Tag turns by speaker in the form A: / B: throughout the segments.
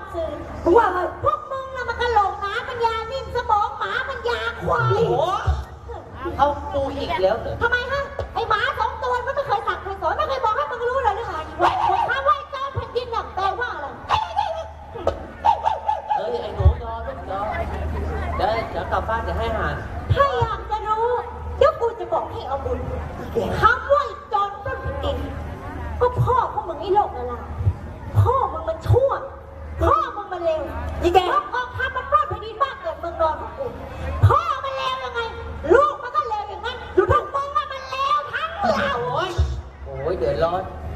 A: สื่อ
B: มึงว่าไง
A: พวกมึงน่ะมันกระโหลกหมาปัญญานิ่มสมองหมาปัญญาควาย
C: โอ้เอากูอีกแล้วเหรอ
A: ทำไมฮะไอหมา2 ตัวมันไม่เคยสั่งเคยสอนไม่เคยบอกให้มึงรู้เลยหรือไงว่าถ้าไหว้เจ้าแผ่นดินน่ะแปลว่าอะไร
C: เอ้ยไอ้หนูยอลูกยอเดี๋ยวกลับบ้านเดี๋ยวให้อาหาร
A: ถ้าอยากจะรู้เดี๋ยวกูจะบอกให้เอาบุญคำว่าจอนต้นดินก็พ่อของมึงไอ้โลกนั่นแหละพ่อมึงมันชั่วพ่อมึงมันเลวยี่แกกองทัพมันปล้นแผ่นดินบ้านเกิดเมืองนอนของกูพ่อมันเลวยังไงลูกมันก็เลวอย่างนั้นพวกมึงอะมันเลวทั้งเรา
C: โอ้ยเดือดร้อน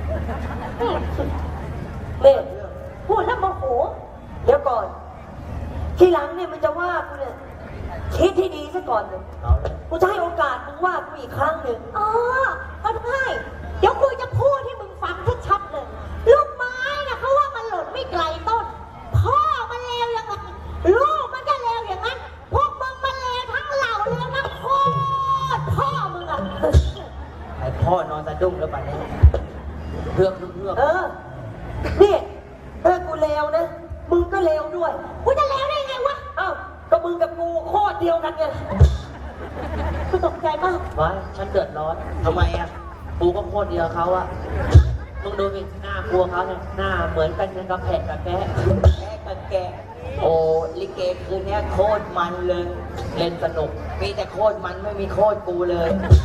B: เน่
A: พูดแล้วโมโห
B: เดี๋ยวก่อน ทีหลังเนี่ยมันจะว่ากูเนี่ยคิดที่ดีซะก่อนเลย
C: เอาเลย
B: กูจะให้โอกาสมึงว่ากูอีกครั้งหนึ่ง
A: อ๋อก็ได้เดี๋ยวกูจะพูดให้มึงฟังชัดๆเลย ลูกไม้นะเขาว่ามันหล่นไม่ไกลต้น พ่อมันเลวยังไงลูกมันก็เลวอย่างนั้น พวกมึงมันเลวทั้งเหล่าเลวทั้งโคตรพ่อมึงอะ
C: ไอ้พ่อนอนสะดุ้งแล้วป่ะเนี่ยเพื่อก
B: นี่ถ้ากูเลวนะ มึงก็เลวด้วย
A: กูจะเลวได้ไงวะ
B: อ้าวก็มึงกับกูโคตรเดียวกันไง
A: กูตกใจมาก
C: ไว้ฉันเดือดร้อนทำไมอ่ะกูก็โคตรเดียวเขาอ่ะมึงดูสิหน้ากูเขาเนี่ยหน้าเหมือนกันยังกับแพะกับแกะกับแกะโอ้ลิเกคืนนี้โคตรมันเลยเล่นสนุกมีแต่โคตรมันไม่มีโคตรกูเลย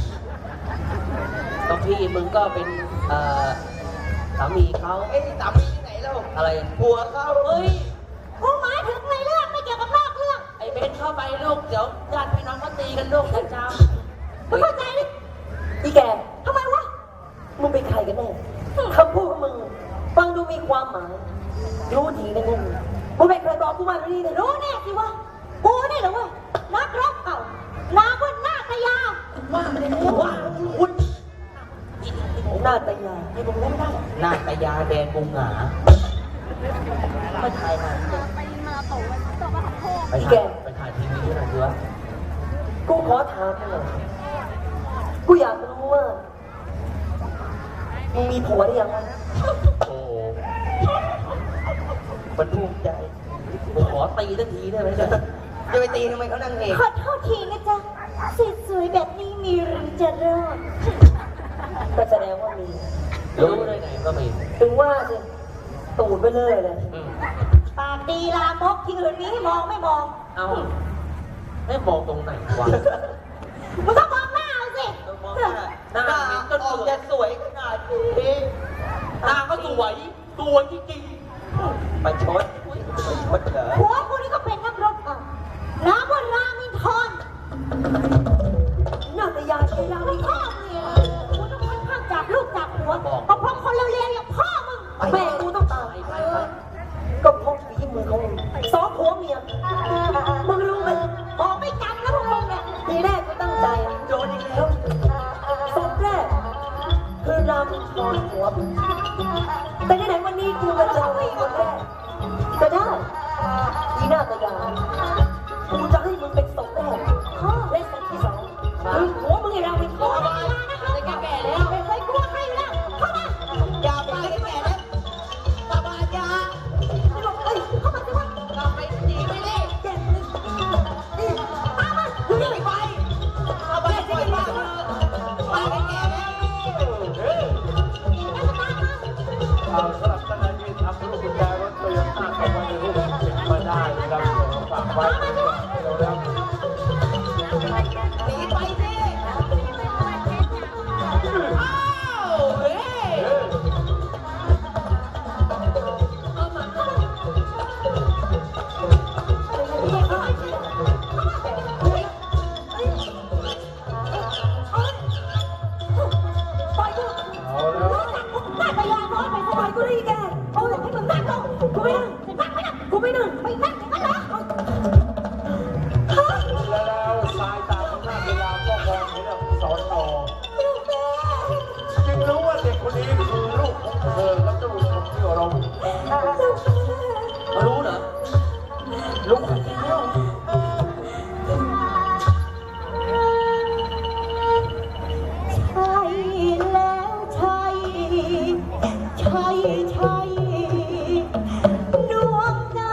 C: ก็พี่มึงก็เป็นสามีเขาเอ้ยสามีที่ไหนเล่าอะไรผัวเขาเฮ้ย
A: กูหมายถึงในเรื่องไม่เกี่ยวกับนอกเรื่อง
C: ไอ้เบนเข้าไปลูกเดี๋ยวญาติพี่น้องก็ตีกันลูกนะจ๊ะ
A: มึงเข้าใจดิ
B: อีแก
A: ทำไมวะ
B: มึงเป็นใครกันแน่คำพูดของมึงฟังดูมีความหมาย รู้ทีนะเนี่ยมึงเป็นใครบอกกูมาดีเลย
A: รู้แน่สิวะกูนี่เหรอเว้ยนักรบเก่านามว่านาคยา
C: ว่าไม่ได้ว่าคุณ
B: หน้าตายาให้มึงเล่นได้
C: หน้าตายาแดนกุงหงาไม่ถ่ายมาไปถ่ายทีวีด้วยนะเพื่อ
B: กูขอถามหน่อยกูอยากรู้ว่ามึงมีผัวหรือยังวะ
C: โอ้มันภูมิใจผมขอตีสักทีได้ไหมเนี่ยจะไปตีทำไมเขานั่งเอก
A: ขอโทษทีนะจ๊ะสวยๆแบบนี้มีหรือจะรอด
B: ก็แสดงว่ามี
C: รู้ได้ไงก็มี
B: ถึงว่าสิตูดไปเลยเลย
A: ปากดีลามกที่อื่นมีให้มองไม่มอง
C: เอาให้มองตรงไหนวะ
A: มึงต้องมองหน้าเอาสิ
C: มองหน้าหน้ามันก็ออกจะสวยขนาดนี้หน้าก็สวยจริงๆประชดเหรอ
A: ผัวกูนี่ก็เป็นนักรบเก่าน้ำว่ารามินทร
B: หน้าตายาใช่ยัง
A: มึงพ่อมึงเนี่ยกูต้องค่อนข้างจับลูกจับหัวก็เพราะคนเร็วๆอย่างพ่อมึง
B: แม่กูต้องตาย ก็เพราะฝีมือของมึงสองผัวเมียมึงรู้ไหม
A: บอกไม่จำนะพวกมึงเนี่ย
B: ทีแรกกูตั้งใจโดนอีกแล้วศพแรกคือรามทอนหัวมึงแต่ไหนๆวันนี้กูมาเจอไอ้คนแรกก็ได้ทีหน้าตายากูจะให้มึงเป็นศพแรกและศพที่สองคือหัวมึงไอ้รามท
A: โอ้
B: อย น
A: มานะครับแก่แล้วไม่เคยกลัวใครอยู่แล้วเข้ามา
C: อย่าไปแก่แล้วตาบาดา
A: ไม่บอกเอ้ยเข้ามาสิวะ
C: กลับไปดีไม่ได้
B: แก่เลยนี่
A: ตามมาดูนี่
C: ไปเอาไปปล่อยมามาแก่แล้ว
D: สำหรับท่านใดที่ทำลูกกุญแจรถโตโยต้าเข้ามาในรูปเก็บมาได้นะครับฝากไว้นะครับ
C: หนีไปสิอ้าวเฮ้ย
A: ปล่อยกู
D: เอาแล้ว
A: หน้าตายาน้อยไปสบายกูได้แกโอ้ยให้มึงนั่งลงกูไม่นั่งกูไม่นั่งไม่นั่งอย่างนั้นเหรอ
D: แล้วสายตาของหน้าเวลาก็มองเห็นสอนต่อจึงรู้ว่าเด็กคนนี้คือลูกของเธอและเจ้าลูกของที่เรา
C: รู้เหรอ
D: ลูกของที่เรา
A: ใช่แล้วใช่ใช่ใช่ดวงใจ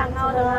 B: ใช่ไหม